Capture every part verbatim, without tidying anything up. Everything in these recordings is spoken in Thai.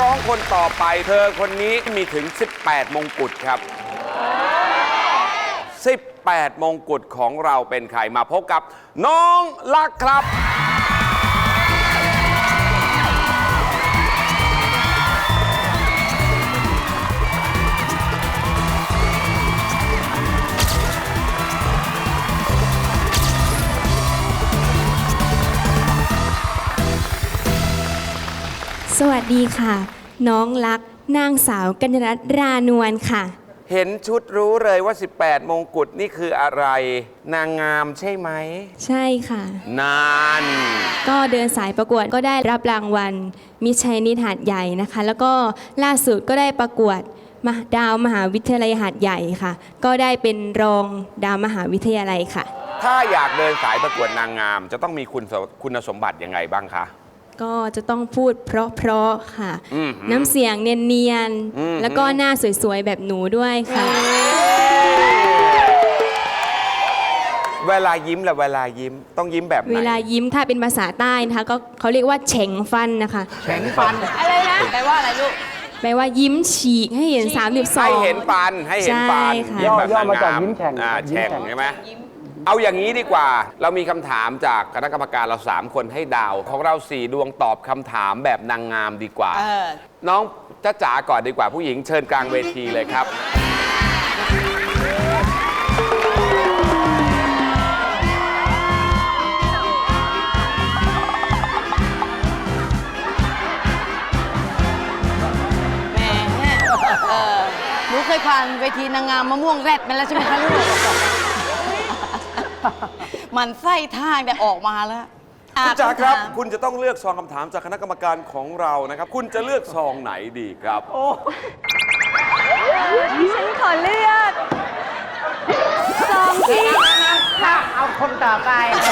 ร้องคนต่อไปเธอคนนี้มีถึงสิบแปดมงกุฎครับสิบแปดมงกุฎของเราเป็นใครมาพบกับน้องลักครับสวัสดีค่ะน้องลักนางสาวกัญญรัตน์รานวลค่ะเห็นชุดรู้เลยว่าสิบแปดมงกุฎนี่คืออะไรนางงามใช่ไหมใช่ค่ะนานก็เดินสายประกวดก็ได้รับรางวัลมิส Chinese หาดใหญ่นะคะแล้วก็ล่าสุดก็ได้ประกวดดาวมหาวิทยาลัยหาดใหญ่ค่ะก็ได้เป็นรองดาวมหาวิทยาลัยค่ะถ้าอยากเดินสายประกวดนางงามจะต้องมีคุณคุณสมบัติยังไงบ้างคะก็จะต้องพูดเพราะๆค่ะน้ำเสียงเนียนๆแล้วก็หน้าสวยๆแบบหนูด้วยค่ะเวลายิ้มและเวลายิ้มต้องยิ้มแบบไหนเวลายิ้มถ้าเป็นภาษาใต้นะคะก็เขาเรียกว่าเฉ่งฟันนะคะเฉ่งฟันอะไรนะแปลว่าอะไรลูกแปลว่ายิ้มฉีกให้เห็นสามสิบสองให้เห็นฟันให้เห็นฟันย่อย่อมาจากยิ้มแฉ่งแฉ่งใช่ไหมเอาอย่างนี้ดีกว่าเรามีคำถามจากคณะกรรมการเราสามคนให้ดาวของเราสี่ดวงตอบคำถามแบบนางงามดีกว่าน้องจ๊ะจ๋าก่อนดีกว่าผู้หญิงเชิญกลางเวทีเลยครับแม่หนูเคยผ่านเวทีนางงามมะม่วงแรดมาแล้วใช่ไหมคะลูกมันไส้ทางแต่ออกมาแล้วคุณจ๋าครับคุณจะต้องเลือกซองคำถามจากคณะกรรมการของเรานะครับคุณจะเลือกซองไหนดีครับโอ้ฉันขอเลือกซองที่ถ้าเอาคนต่อไป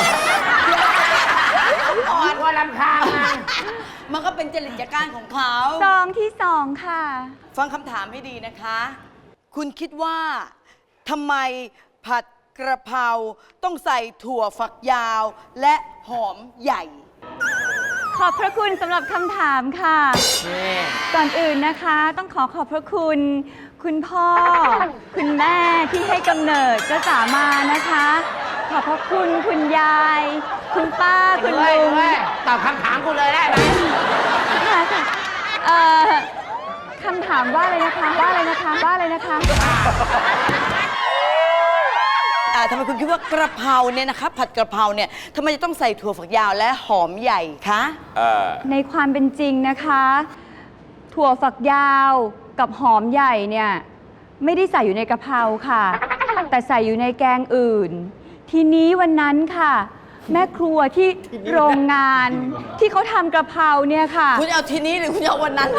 อ่อนว่าลำคาญมันมันก็เป็นจริตจักรานของเขาซองที่สองค่ะฟังคำถามให้ดีนะคะคุณคิดว่าทำไมผัดกระเพราต้องใส่ถั่วฝักยาวและหอมใหญ่ขอบพระคุณสำหรับคำถามค่ะก่อนอื่นนะคะต้องขอขอบพระคุณคุณพ่อคุณแม่ที่ให้กำเนิดเจ้าจ๋ามานะคะขอบพระคุณคุณยายคุณป้าคุณลุงตอบคำถามกูเลยได้ไหมค่ะเอ่อคำถามว่าอะไรนะคะว่าอะไรนะคะว่าอะไรนะคะทำไมคุณคิดว่ากระเพราเนี่ยนะคะผัดกระเพราเนี่ยทำไมจะต้องใส่ถั่วฝักยาวและหอมใหญ่คะในความเป็นจริงนะคะถั่วฝักยาวกับหอมใหญ่เนี่ยไม่ได้ใส่อยู่ในกระเพราค่ะแต่ใส่อยู่ในแกงอื่นทีนี้วันนั้นค่ะแม่ครัวที่โรงงานที่เขาทำกระเพราเนี่ยค่ะคุณเอาทีนี้หรือคุณเอาวันนั้น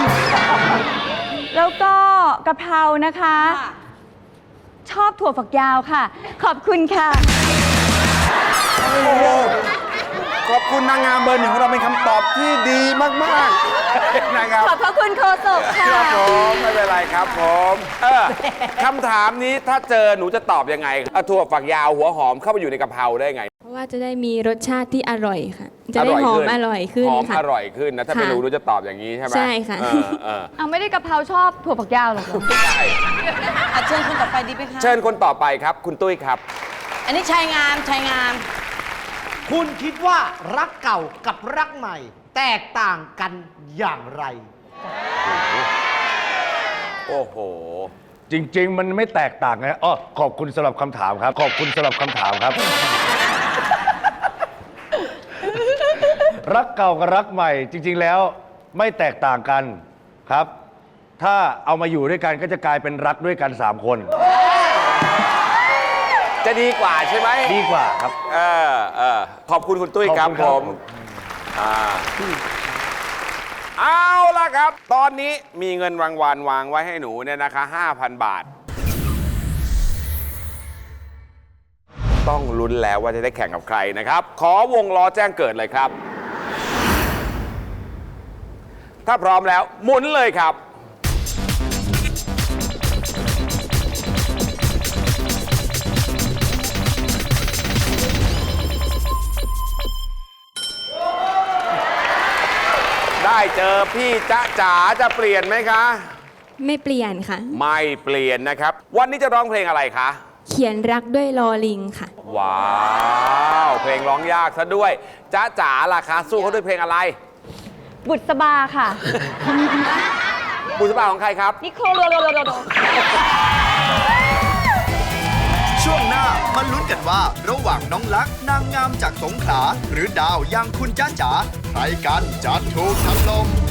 แล้วก็กระเพรานะคะชอบถั่วฝักยาวค่ะขอบคุณค่ะโอ้โหขอบคุณนางงามเบอร์หนึ่งของเราเป็นคำตอบที่ดีมากๆนะครับขอบพระคุณโฆษกค่ะครับผมไม่เป็นไรครับผมเออคำถามนี้ถ้าเจอหนูจะตอบยังไงถั่วฝักยาวหัวหอมเข้าไปอยู่ในกะเพราได้ไงเพราะว่าจะได้มีรสชาติที่อร่อยค่ะจะได้หอมอร่อยขึ้นหอมอร่อยขึ้นนะถ้าไม่รู้หนูจะตอบอย่างนี้ใช่ไหมใช่ค่ะเอาไม่ได้กะเพราชอบถั่วฝักยาวหรอใช่เชิญคนต่อไปดีไหมคะเชิญคนต่อไปครับคุณตุ้ยครับอันนี้ชายงามชายงามคุณคิดว่ารักเก่ากับรักใหม่แตกต่างกันอย่างไรโอ้โหจริงๆมันไม่แตกต่างนะอ๋อขอบคุณสำหรับคำถามครับขอบคุณสำหรับคำถามครับ รักเก่ากับรักใหม่จริงๆแล้วไม่แตกต่างกันครับ ถ้าเอามาอยู่ด้วยกันก็จะกลายเป็นรักด้วยกันสามคนจะดีกว่าใช่ไหมดีกว่าครับเออเออขอบคุณคุณตุ้ยครับผมอ่าเอาล่ะครับตอนนี้มีเงินรางวัลวางไว้ให้หนูเนี่ยนะคะ ห้าพัน บาทต้องลุ้นแล้วว่าจะได้แข่งกับใครนะครับขอวงล้อแจ้งเกิดเลยครับถ้าพร้อมแล้วหมุนเลยครับได้เจอพี่จ๊ะจ๋าจะเปลี่ยนไหมคะไม่เปลี่ยนค่ะไม่เปลี่ยนนะครับ วันนี้จะร้องเพลงอะไรคะเขียนรักด้วยลอลิงค่ะว้าว เพลงร้องยากซะด้วยจ๊ะจ๋าล่ะคะสู้เขาด้วยเพลงอะไรบุษบาค่ะบุษบาของใครครับนิโคลโลโลโลโลช่วงหน้ามาลุ้นกันว่า ระหว่างน้องลักษณ์นางงามจากสงขลาหรือดาวอย่างคุณจ้าจ๋าใครกันจะถูกถล่ม